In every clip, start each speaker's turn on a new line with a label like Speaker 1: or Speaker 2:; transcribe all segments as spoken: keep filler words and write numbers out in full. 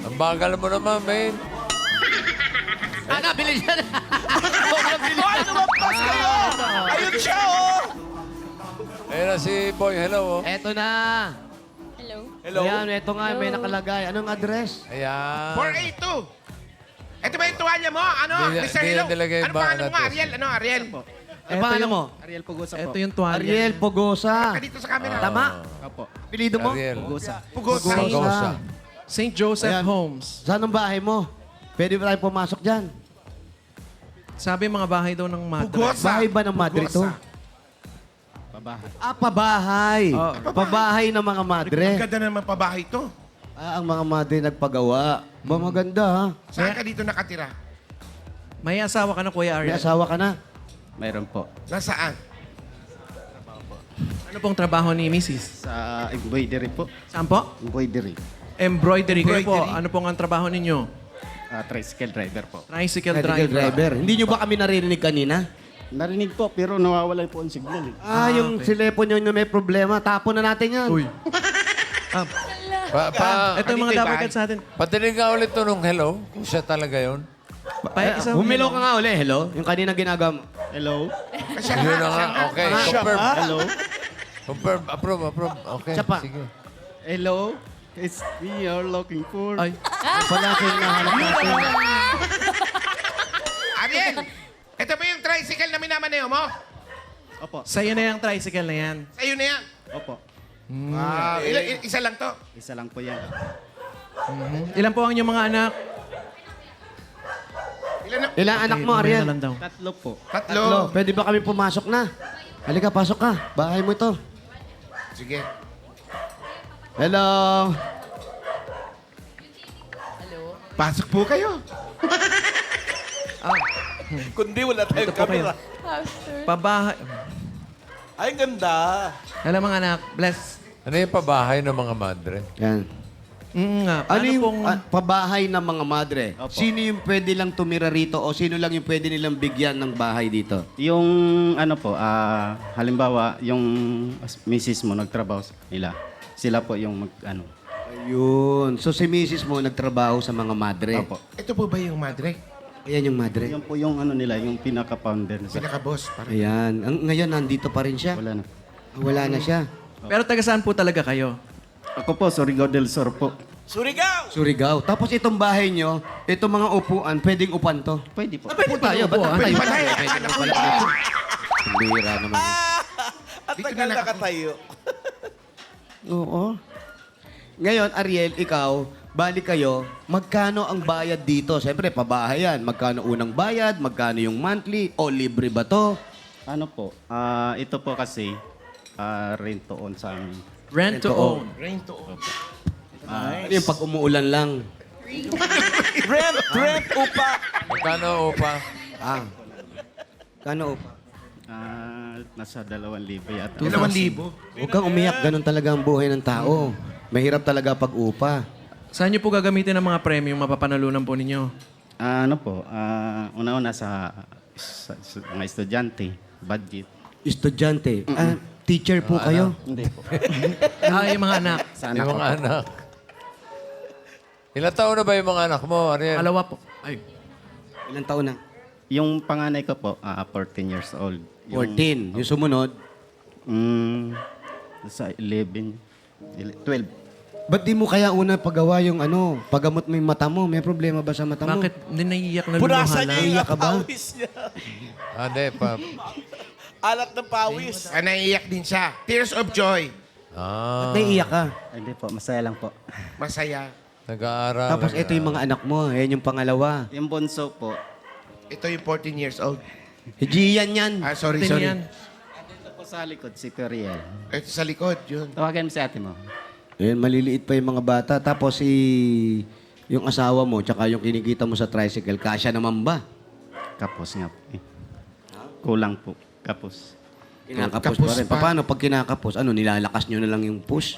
Speaker 1: Ang bagal mo naman, man.
Speaker 2: Ana, bili siya na.
Speaker 3: Ay, lumampas kayo! Ayun siya, oh!
Speaker 1: Ayun na si Boy. Hello, oh.
Speaker 2: Eto na.
Speaker 4: Hello?
Speaker 3: Hello?
Speaker 2: Ayan, eto nga, may nakalagay. Anong address?
Speaker 1: Ayan.
Speaker 5: four eight two. Ito ba yung tuwalya mo? Ano?
Speaker 1: Di-
Speaker 5: mister
Speaker 1: di
Speaker 5: Hilo?
Speaker 1: na nilagay
Speaker 5: Ano
Speaker 1: ba
Speaker 5: pa? Ano
Speaker 1: natin?
Speaker 5: mo? Ariel? Ano? Ariel?
Speaker 2: Ano pangalan mo?
Speaker 6: Ariel Pugosa po.
Speaker 7: Ito yung tuwalya.
Speaker 2: Ariel Pogosa.
Speaker 5: Ka dito sa camera.
Speaker 2: Tama?
Speaker 6: Opo.
Speaker 2: Pilido mo?
Speaker 1: Ariel.
Speaker 6: Pugosa.
Speaker 5: Pugosa.
Speaker 1: Gosa.
Speaker 7: Saint Joseph
Speaker 2: Ayan.
Speaker 7: Homes.
Speaker 2: Saan ang bahay mo? Pwede ba tayo pumasok dyan?
Speaker 7: Sabi mga bahay daw ng madre.
Speaker 5: Pugosa.
Speaker 2: Bahay ba ng madre to?
Speaker 5: Pugosa.
Speaker 6: Pabahay.
Speaker 2: Ah, pabahay.
Speaker 7: Oh.
Speaker 2: Pabahay ng mga madre.
Speaker 5: Ang ganda naman pabahay to.
Speaker 2: Ah, ang mga madre nagpagawa. Ba, maganda ha?
Speaker 5: Saan ka dito nakatira?
Speaker 7: May asawa ka na, Kuya
Speaker 2: May
Speaker 7: Ariel.
Speaker 2: asawa ka na.
Speaker 6: Mayroon po.
Speaker 5: Nasaan?
Speaker 7: Ano pong trabaho ni Missus?
Speaker 6: Sa embroidery po.
Speaker 7: Saan po?
Speaker 6: Embroidery.
Speaker 7: Embroidery. Kayo po,
Speaker 5: Embroidery.
Speaker 7: ano pong ang trabaho ninyo?
Speaker 6: Ah, tricycle driver po.
Speaker 7: Tricycle
Speaker 2: Medical
Speaker 7: driver.
Speaker 2: driver. Hindi nyo ba kami narinig kanina?
Speaker 6: Narinig po, pero nawawala po ang signal. Eh.
Speaker 2: Ah, yung silepo nyo na may problema. Tapon na natin yan.
Speaker 7: Uy. Ah,
Speaker 1: Pa, pa,
Speaker 7: ito yung mga
Speaker 5: Dito,
Speaker 7: dapat
Speaker 5: bahay.
Speaker 7: sa atin.
Speaker 1: patinig nga ulit to nung hello. Kung siya talaga yun.
Speaker 7: Pa, isang
Speaker 2: Humilo ka nga uli, hello? Yung kanina ginagawa mo.
Speaker 6: Hello?
Speaker 5: Siya
Speaker 1: Yun na
Speaker 5: nga.
Speaker 1: nga.
Speaker 5: siya nga.
Speaker 1: Okay. Confirm.
Speaker 6: Hello?
Speaker 1: Confirm. Approve, approve. Okay.
Speaker 2: Siya pa.
Speaker 1: Sige.
Speaker 6: Hello? It's me you're looking for.
Speaker 7: Ay.
Speaker 2: Yung pala siya yung nahanap natin.
Speaker 5: Ariel! Ito ba yung tricycle na minamaneo mo?
Speaker 6: Opo.
Speaker 7: Sa'yo na yung tricycle na yan.
Speaker 5: Sa'yo na yan.
Speaker 6: Opo.
Speaker 5: Wow. Ilan- i- isa lang to.
Speaker 6: Isa lang po yan.
Speaker 7: Ilan po ang inyong mga anak?
Speaker 5: Ilan na?
Speaker 2: Ilang anak mo,
Speaker 7: Mamaya
Speaker 2: Ariel?
Speaker 7: na lang daw.
Speaker 6: Tatlo po.
Speaker 5: Tatlo.
Speaker 2: Tatlo. Pwede ba kami pumasok na? Halika, pasok ka. Bahay mo ito.
Speaker 5: Sige.
Speaker 2: Hello?
Speaker 5: Pasok po kayo.
Speaker 3: Kundi wala tayong
Speaker 7: Ito po kayo.
Speaker 3: camera.
Speaker 4: Pastor.
Speaker 7: Pabahay.
Speaker 3: Ay, ang ganda.
Speaker 7: Hello mga anak. Bless.
Speaker 1: Ano yung pabahay ng mga madre?
Speaker 2: Yan.
Speaker 7: Mm, nga.
Speaker 2: Ano
Speaker 7: Paano
Speaker 2: yung
Speaker 7: pong...
Speaker 2: ah, pabahay ng mga madre?
Speaker 6: Opo.
Speaker 2: Sino yung pwede lang tumira rito o sino lang yung pwede nilang bigyan ng bahay dito?
Speaker 6: Yung ano po, ah, halimbawa, yung misis mo nagtrabaho sa nila. Sila po yung mag, ano.
Speaker 2: Ayun. So si misis mo nagtrabaho sa mga madre.
Speaker 6: Opo.
Speaker 5: Ito po ba yung madre?
Speaker 2: Ayan yung madre.
Speaker 6: Yan po yung ano nila, yung pinaka-founder. Sa,
Speaker 5: Pinaka-boss. Parang.
Speaker 2: Ayan. Ang, ngayon, nandito pa rin siya.
Speaker 6: wala na.
Speaker 2: Wala na siya.
Speaker 7: Pero taga saan po talaga kayo?
Speaker 6: Ako po, Surigao del Sur po.
Speaker 3: Surigao!
Speaker 2: Surigao. Tapos itong bahay nyo, itong mga upuan, pwedeng upan to.
Speaker 6: Pwede po.
Speaker 2: Pwede tayo. Ba't
Speaker 7: upuan.
Speaker 2: tayo?
Speaker 5: Pwede tayo.
Speaker 2: Pwede
Speaker 5: Akala
Speaker 2: mo
Speaker 5: ko
Speaker 2: pala
Speaker 5: yun.
Speaker 2: dito. Ang bihira naman.
Speaker 3: At
Speaker 5: Dito
Speaker 3: tagal
Speaker 5: na lang ako.
Speaker 3: nakatayo.
Speaker 2: Oo. Ngayon, Ariel, ikaw, balik kayo, magkano ang bayad dito? Siyempre, pabahay yan. Magkano unang bayad? Magkano yung monthly? O libre ba to?
Speaker 6: Ano po, ah, ito po kasi, ah, rent to own sa amin.
Speaker 7: Rent to
Speaker 2: Rent to
Speaker 7: own.
Speaker 5: Rain to own.
Speaker 2: Ano yung pag umuulan lang?
Speaker 3: Rent, rent, upa.
Speaker 1: Magkano upa?
Speaker 2: Ah. Kano upa?
Speaker 6: Ah, nasa dalawang libo yata.
Speaker 5: Dalawang libo.
Speaker 2: Huwag kang umiyak. Ganun talaga ang buhay ng tao. Mahirap talaga pag upa.
Speaker 7: Saan niyo po gagamitin ang mga premium mapapanalunan po ninyo?
Speaker 6: Ah, ano po, ah, una-una sa, sa, sa mga estudyante, budget.
Speaker 2: Estudyante. Ah, teacher po kayo?
Speaker 6: Hindi po.
Speaker 7: Ah, yung mga anak.
Speaker 6: Sa
Speaker 1: Yung
Speaker 6: anak ko.
Speaker 1: mga anak. Ilang taon na ba yung mga anak mo, Ariel?
Speaker 7: Alawa po. Ay.
Speaker 2: Ilang taon na?
Speaker 6: Yung panganay ko po, ah, fourteen years old. Yung,
Speaker 2: fourteen. Yung sumunod,
Speaker 6: Mm, sa eleven, ele- twelve.
Speaker 2: ba't di mo kaya una pagawa yung ano, pagamot mo yung mata mo? May problema ba sa mata mo?
Speaker 7: Bakit hindi naiiyak na
Speaker 3: Punasan
Speaker 7: luluha
Speaker 3: niya
Speaker 7: lang?
Speaker 3: yung
Speaker 2: Iyak ka ba?
Speaker 3: pawis niya.
Speaker 1: Ah, hindi. Pa.
Speaker 3: Alat ng pawis.
Speaker 5: Ah, naiiyak din siya. Tears of joy.
Speaker 1: Ah,
Speaker 2: Ba't naiiyak ka?
Speaker 6: Ay, Hindi po, masaya lang po.
Speaker 5: Masaya.
Speaker 1: nag-aaral.
Speaker 2: Tapos ito yung mga anak mo. Ayan yung pangalawa.
Speaker 6: Yung bunso po,
Speaker 5: Ito yung fourteen years old.
Speaker 2: Gian yan.
Speaker 5: Ah, sorry,
Speaker 7: Tingnan
Speaker 5: sorry.
Speaker 7: yan.
Speaker 6: ito po sa likod, si Periel.
Speaker 5: Ito sa likod, yun.
Speaker 6: Tawagan mo si ate mo.
Speaker 2: Ayan, maliliit pa yung mga bata. Tapos si yung asawa mo, tsaka yung kinikita mo sa tricycle, kasya naman ba?
Speaker 6: Kapos nga po. Eh. Kulang po, kapos.
Speaker 2: Kinakapos
Speaker 5: Kapos
Speaker 2: pa rin.
Speaker 5: pa.
Speaker 2: Paano pag kinakapos? Ano, nilalakas nyo na lang yung push?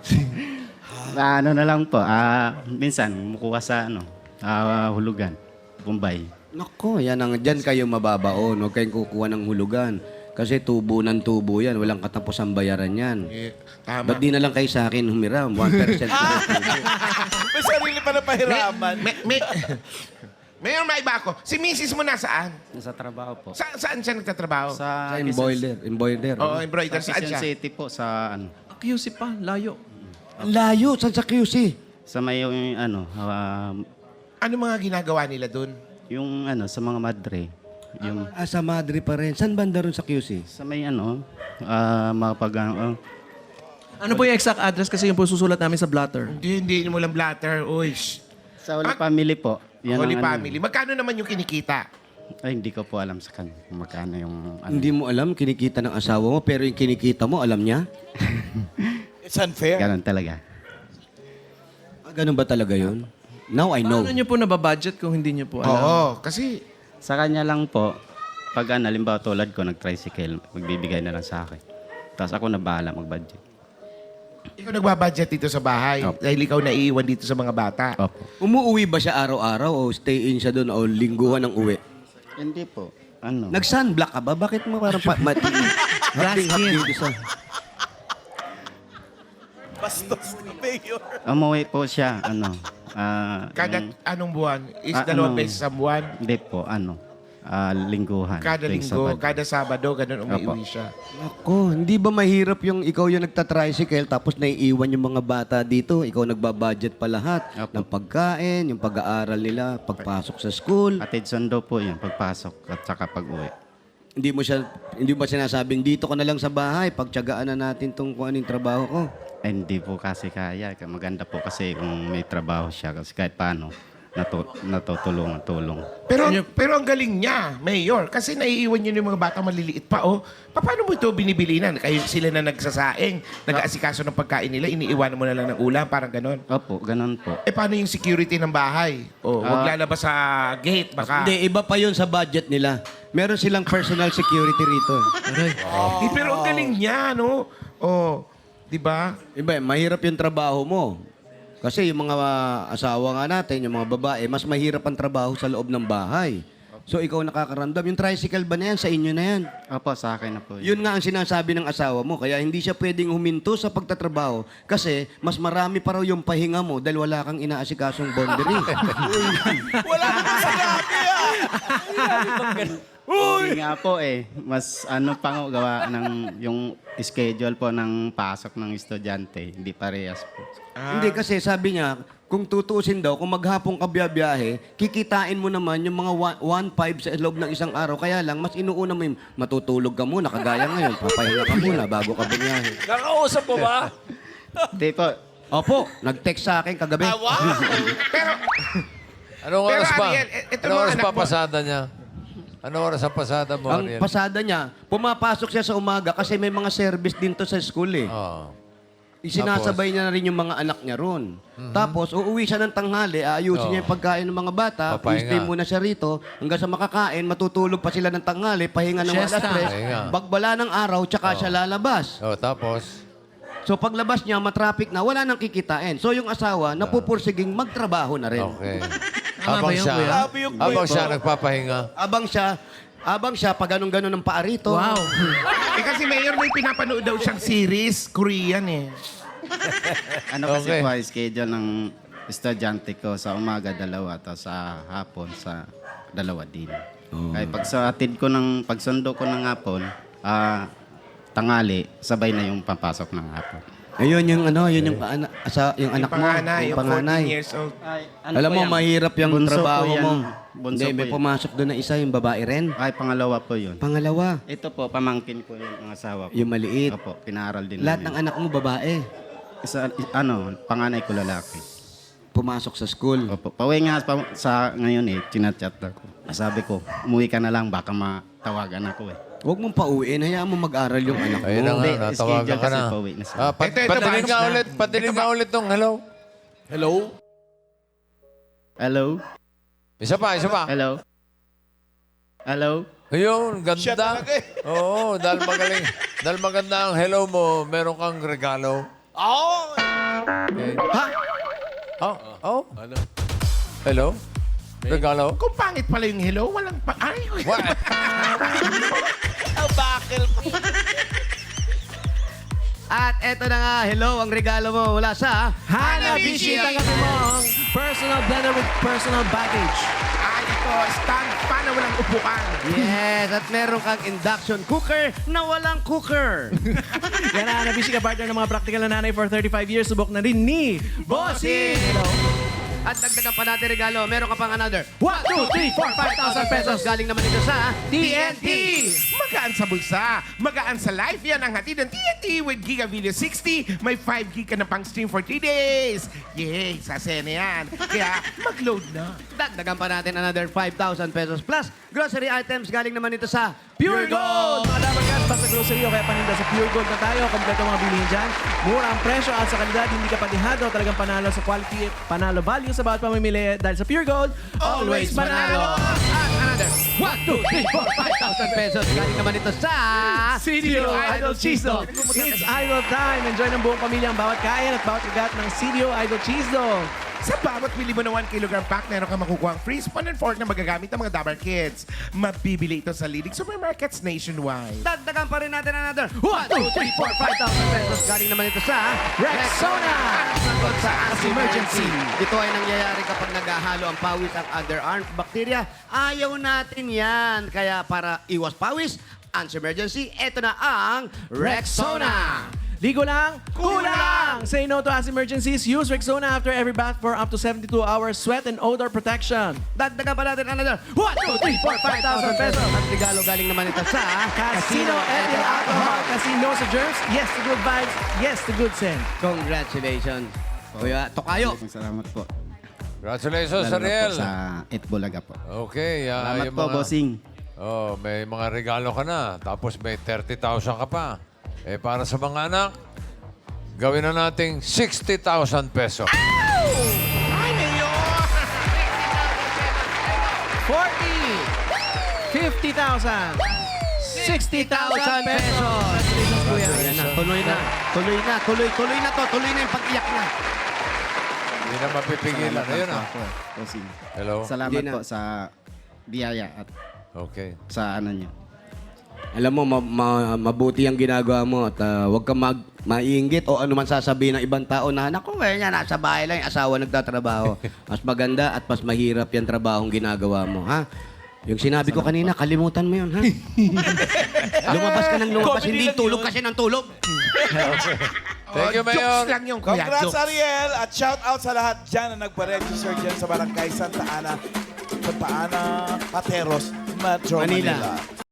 Speaker 6: Ah, ano na lang po, ah, minsan, mukuha sa ano, ah, hulugan, Bombay.
Speaker 2: Nako, yan ang, dyan kayo mababaon. Huwag kayong kukuha ng hulugan. Kasi tubo ng tubo yan. Walang katapusang bayaran yan.
Speaker 5: Eh, tama.
Speaker 2: Ba't di na lang kayo sa akin humiram? one percent po ng tubo.
Speaker 3: May sarili pa na pahiraman.
Speaker 5: May, may, Mayor, may iba ako. Si misis mo nasaan?
Speaker 6: Sa trabaho po.
Speaker 5: Sa, saan siya nagtatrabaho?
Speaker 6: Sa
Speaker 2: Sa embroider. Embroider.
Speaker 5: Oo,
Speaker 2: ano?
Speaker 5: embroider.
Speaker 6: Sa
Speaker 5: Saan
Speaker 6: Quezon
Speaker 5: siya?
Speaker 6: City po, sa ano,
Speaker 7: Ah, Q C pa, layo.
Speaker 2: Ang layo. Saan sa Q C?
Speaker 6: sa may yung, ano, ah,
Speaker 5: Ano mga ginagawa nila dun?
Speaker 6: yung ano, sa mga madre. Yung
Speaker 2: Ah, sa Madre pa rin. Saan banda ron sa Q C?
Speaker 6: sa may ano, ah, mga pag, ano,
Speaker 7: Ano po yung exact address kasi yung po susulat namin sa blotter?
Speaker 5: Hindi, hindi mo lang blatter. Uy, shh.
Speaker 6: sa Holy
Speaker 5: Ah,
Speaker 6: Family po. Yan
Speaker 5: Holy
Speaker 6: ang ano.
Speaker 5: Family. Magkano naman yung kinikita?
Speaker 6: Ay, hindi ko po alam sa kanya kung magkano yung ano.
Speaker 2: Hindi mo alam, kinikita ng asawa mo, pero yung kinikita mo, alam niya?
Speaker 3: It's unfair.
Speaker 6: Ganon talaga.
Speaker 2: Ah, ganun ba talaga yun? Now I know.
Speaker 7: Paano nyo po nababudget kung hindi nyo po alam?
Speaker 5: Oo, kasi
Speaker 6: Sa kanya lang po, pag ano, halimbawa tulad ko, nag-tricycle, magbibigay na lang sa akin. Tapos ako na bahala mag-budget.
Speaker 5: ikaw nagbabudget dito sa bahay.
Speaker 6: Opo.
Speaker 5: Dahil ikaw naiiwan dito sa mga bata.
Speaker 6: Opo.
Speaker 2: Umuwi ba siya araw-araw o stay in siya doon o lingguhan ng uwi?
Speaker 6: Hindi po. Ano?
Speaker 2: Nag-sunblock ka ba? Bakit mo parang pa- mati? Hapting-hap dito sa...
Speaker 3: Bastos na mayor.
Speaker 6: Umuwi po siya, ano, ah,
Speaker 5: Kada
Speaker 6: yung-
Speaker 5: anong buwan? Is
Speaker 6: Ah,
Speaker 5: dalawang
Speaker 6: ano?
Speaker 5: beses sa buwan?
Speaker 6: hindi po, ano, ah, lingguhan.
Speaker 5: Kada
Speaker 6: tuwing
Speaker 5: linggo,
Speaker 6: Sabado.
Speaker 5: kada Sabado, ganun umiiwi
Speaker 6: Opo.
Speaker 5: siya.
Speaker 2: Ako, hindi ba mahirap yung ikaw yung nagtatricycle tapos naiiwan yung mga bata dito? Ikaw nagbabudget pa lahat
Speaker 6: Opo.
Speaker 2: ng pagkain, yung pag-aaral nila, pagpasok sa school.
Speaker 6: Atid sundo po yun, pagpasok at saka pag-uwi.
Speaker 2: Hindi mo siya, hindi ba sinasabing dito ka na lang sa bahay, pagtiyagaan na natin tong kung anong trabaho ko?
Speaker 6: Eh, hindi po kasi kaya. Maganda po kasi kung may trabaho siya kasi kahit paano, natu natutulungan, tulong.
Speaker 5: Pero pero ang galing niya, Mayor, kasi naiiwan niyo yung mga bata maliliit pa, oh. Pa- Paano mo ito binibilinan? Kayo sila na nagsasaing, nag-aasikaso ng pagkain nila, iniiwanan mo na lang ng ulam, parang ganon.
Speaker 6: Opo, ganun po.
Speaker 5: Eh, paano yung security ng bahay? Oh, wag
Speaker 6: Ah.
Speaker 5: lalabas sa gate, baka...
Speaker 2: Hindi, iba pa yun sa budget nila. Meron silang personal security rito.
Speaker 5: Eh, pero ang galing niya, no? Oh, di ba?
Speaker 2: Iba, mahirap yung trabaho mo. Kasi yung mga asawa nga natin, yung mga babae, mas mahirap ang trabaho sa loob ng bahay. So ikaw nakakaramdam. Yung tricycle ba na yan? Sa inyo na yan.
Speaker 6: Opo, sa akin na po yun.
Speaker 2: Yun nga ang sinasabi ng asawa mo. Kaya hindi siya pwedeng huminto sa pagtatrabaho kasi mas marami pa raw yung pahinga mo dahil wala kang inaasikasong boundary.
Speaker 3: Wala naman sa gabi ah.
Speaker 6: Hindi nga po eh. Mas ano pa nga gawa ng yung schedule po ng pasok ng estudyante. Hindi parehas po.
Speaker 2: Hindi kasi sabi niya, kung tutuusin daw, kung maghapong ka biyahe, kikitain mo naman yung mga one five sa loob ng isang araw. Kaya lang, mas inuuna mo yung matutulog ka muna, kagaya ngayon, papahinga ka muna bago ka bumiyahe.
Speaker 3: Nakausap mo ba?
Speaker 6: Hindi po.
Speaker 2: Opo, nag-text sa akin kagabi.
Speaker 3: Ah, wow.
Speaker 5: Pero,
Speaker 1: Anong
Speaker 5: Pero,
Speaker 1: oras pa?
Speaker 5: Ariel, e- eto
Speaker 1: Anong
Speaker 5: mga
Speaker 1: oras
Speaker 5: anak
Speaker 1: pa
Speaker 5: mo.
Speaker 1: pasada niya? Anong oras ang pasada mo,
Speaker 2: Ang
Speaker 1: Ariel?
Speaker 2: pasada niya, pumapasok siya sa umaga kasi may mga service din to sa school eh.
Speaker 1: Oo.
Speaker 2: Isinasabay niya na rin yung mga anak niya ron. Tapos, uuwi siya ng tanghali, aayusin
Speaker 1: Oo.
Speaker 2: niya yung pagkain ng mga bata,
Speaker 1: Papahinga.
Speaker 2: stay muna siya rito, hanggang sa makakain, matutulog pa sila ng tanghali, pahinga ng alas
Speaker 7: Siesta.
Speaker 2: tres,
Speaker 1: Pahinga.
Speaker 2: bagbala ng araw, tsaka siya lalabas.
Speaker 1: Oh, tapos?
Speaker 2: So paglabas niya, matraffic na, wala nang kikitain. So yung asawa, napupursiging magtrabaho na rin.
Speaker 1: Okay.
Speaker 7: Tama ba yun,
Speaker 1: siya,
Speaker 7: kuya?
Speaker 3: Grabe yung
Speaker 1: habang
Speaker 3: kuya
Speaker 1: siya
Speaker 3: mo.
Speaker 1: nagpapahinga.
Speaker 2: Abang siya, abang siya, pag ganun-ganun ng paa rito.
Speaker 7: Wow.
Speaker 5: eh kasi Mayor, may pinapanood daw siyang series, Korean eh.
Speaker 6: Ano kasi
Speaker 1: Okay.
Speaker 6: po ay schedule ng estudyante ko sa umaga dalawa tapos sa hapon sa dalawa din. Kaya pag sa atid ko ng pagsundo ko ng hapon, ah tangali, sabay na yung papasok ng hapon.
Speaker 2: Ayun yung ano, yun yung, ana, asa, yung anak mo,
Speaker 5: Panganay,
Speaker 2: yung
Speaker 5: yung
Speaker 2: panganay.
Speaker 5: fourteen years old.
Speaker 2: Alam mo, mahirap yung
Speaker 6: Bunso
Speaker 2: trabaho
Speaker 6: po yan.
Speaker 2: mo.
Speaker 6: Bunso
Speaker 2: Hindi,
Speaker 6: po
Speaker 2: may
Speaker 6: yan.
Speaker 2: pumasok doon na isa, yung babae rin.
Speaker 6: Ay, pangalawa po yun.
Speaker 2: Pangalawa,
Speaker 6: Ito po, pamangkin ko yung ang asawa ko.
Speaker 2: yung maliit.
Speaker 6: Opo, pinaaral din
Speaker 2: Lahat ng
Speaker 6: namin.
Speaker 2: anak mo babae,
Speaker 6: Isa, i- ano, panganay ko lalaki.
Speaker 2: pumasok sa school.
Speaker 6: Opo, pauwi nga pa, sa ngayon eh, chinachat ako. Sabi ko, umuwi ka na lang, baka matawagan ako eh.
Speaker 2: Huwag mong pauwiin, hayaan mo mag-aral yung anak mo.
Speaker 1: Ayun na nga,
Speaker 6: Hindi,
Speaker 1: natawagan
Speaker 6: schedule
Speaker 1: ka
Speaker 6: kasi
Speaker 1: na.
Speaker 6: pauwi na siya.
Speaker 1: Ah, pat-
Speaker 5: Ito, ito,
Speaker 1: patinig
Speaker 5: boss
Speaker 1: nga
Speaker 5: na.
Speaker 1: ulit, patinig nga ulit tong hello.
Speaker 3: Hello?
Speaker 6: Hello?
Speaker 1: Isa pa, isa pa.
Speaker 6: Hello? Hello?
Speaker 1: Ayun,
Speaker 3: Siya
Speaker 1: ganda.
Speaker 3: talaga eh.
Speaker 1: Oo, dahil magaling. Dahil maganda ang hello mo, meron kang regalo.
Speaker 3: Oh!
Speaker 1: Okay. Ha? Oh, oh. Hello? Regalo?
Speaker 5: Kung pangit pala yung hello, walang pa... Ay,
Speaker 1: What?
Speaker 3: Bakil.
Speaker 2: At eto na nga, hello, ang regalo mo mula sa
Speaker 7: Hanabishi, tanggapin mo ang personal blender with personal baggage.
Speaker 5: Ah, ito, stand pa na walang upuan.
Speaker 2: Yes, at meron kang induction cooker na walang cooker.
Speaker 7: Yan na, Hanabishi ka partner ng mga practical na nanay for thirty-five years. Subok na rin ni Bossing!
Speaker 2: At dagdagan pa natin regalo, meron ka pang another
Speaker 7: one, two, three, four, five thousand pesos.
Speaker 2: Galing naman ito sa
Speaker 7: T N T!
Speaker 5: Magaan sa bulsa, magaan sa life. Yan ang hatid ng T N T with Giga Video sixty. May five gig ka na pang stream for three days. Yay, sa sena yan. Kaya mag-load na.
Speaker 2: Dagdagan pa natin another five thousand pesos plus grocery items galing naman ito sa
Speaker 7: Pure Gold! Mga dapat guys, basta grocery o kaya paninda sa Pure Gold na tayo. Kompleto mga bilihin dyan. Mura ang presyo at sa kalidad, hindi ka patihado. Talagang panalo sa quality, panalo value sa bawat pamimili. Dahil sa Pure Gold, always panalo!
Speaker 2: At another one, two, three, four, five thousand pesos galing naman ito sa
Speaker 7: C D O Idol Cheese Dog. It's Idol time. Enjoy ng buong pamilya ang bawat kain at bawat kagat ng C D O Idol Cheese Dog.
Speaker 5: Sa bawat bili mo na one kilogram pack, meron ka makukuha ang free spoon and fork na magagamit ng mga Dabar Kids. Mabibili ito sa leading supermarkets nationwide.
Speaker 2: Dagdagan pa rin natin another one, two, three, four, five thousand pesos galing naman ito sa
Speaker 7: Rexona!
Speaker 2: Sagot sa emergency. Ito ay nangyayari kapag naghahalo ang pawis at other armed bacteria. Ayaw natin yan. Kaya para iwas pawis, emergency, ito na ang Rexona.
Speaker 7: Ligo lang, kulang! Say no to as emergencies. Use Rexona after every bath for up to seventy-two hours sweat and odor protection.
Speaker 2: Dagdagan pa natin another one, two, three, four, five thousand pesos. At regalo galing naman ito sa
Speaker 7: Casino Ethyl Alcohol. Casino sa germs, yes to good vibes, yes to good scent.
Speaker 2: Congratulations. Kuya, Tokayo.
Speaker 6: Maraming salamat po.
Speaker 1: Congratulations,
Speaker 6: Lalo na po
Speaker 1: Ariel.
Speaker 6: sa Itbulaga po.
Speaker 1: Okay. ah,
Speaker 6: Salamat
Speaker 1: yung
Speaker 6: po,
Speaker 1: mga-
Speaker 6: bossing.
Speaker 1: Oh, may mga regalo ka na. Tapos may thirty thousand ka pa. Eh, para sa mga anak, gawin na nating sixty thousand pesos.
Speaker 5: Ay, Mayor!
Speaker 7: forty, fifty thousand, sixty thousand pesos. Congratulations, Kuya.
Speaker 2: Ayan na, tuloy na. Tuloy na, tuloy, tuloy na to. Tuloy na yung pag-iyak na.
Speaker 1: Hindi na mapipigilan.
Speaker 6: Salamat
Speaker 1: Ayun
Speaker 6: po
Speaker 1: ah.
Speaker 6: ako, bossing.
Speaker 1: Hello?
Speaker 6: Salamat
Speaker 2: Hindi na.
Speaker 6: po sa biyaya at
Speaker 1: Okay.
Speaker 6: sa ano niyo.
Speaker 2: Alam mo, ma- ma- mabuti ang ginagawa mo at uh, huwag ka mag maiinggit o ano man sasabihin ng ibang tao na, naku, eh, yan, nasa bahay lang, yung asawa nagtatrabaho. Mas maganda at mas mahirap yung trabahong ginagawa mo, ha? Yung sinabi ko kanina, kalimutan mo yun, ha? Lumabas ka ng lumabas, hindi tulog kasi ng tulog.
Speaker 1: Thank you,
Speaker 5: Oh,
Speaker 1: Mayor.
Speaker 5: Jokes lang yung kuya.
Speaker 3: Congrats,
Speaker 5: Jokes.
Speaker 3: Ariel! At shout out sa lahat dyan na nagpa-register dyan sa Barangay Santa Ana, Santa Ana, Pateros, Metro
Speaker 2: Manila.
Speaker 3: Manila.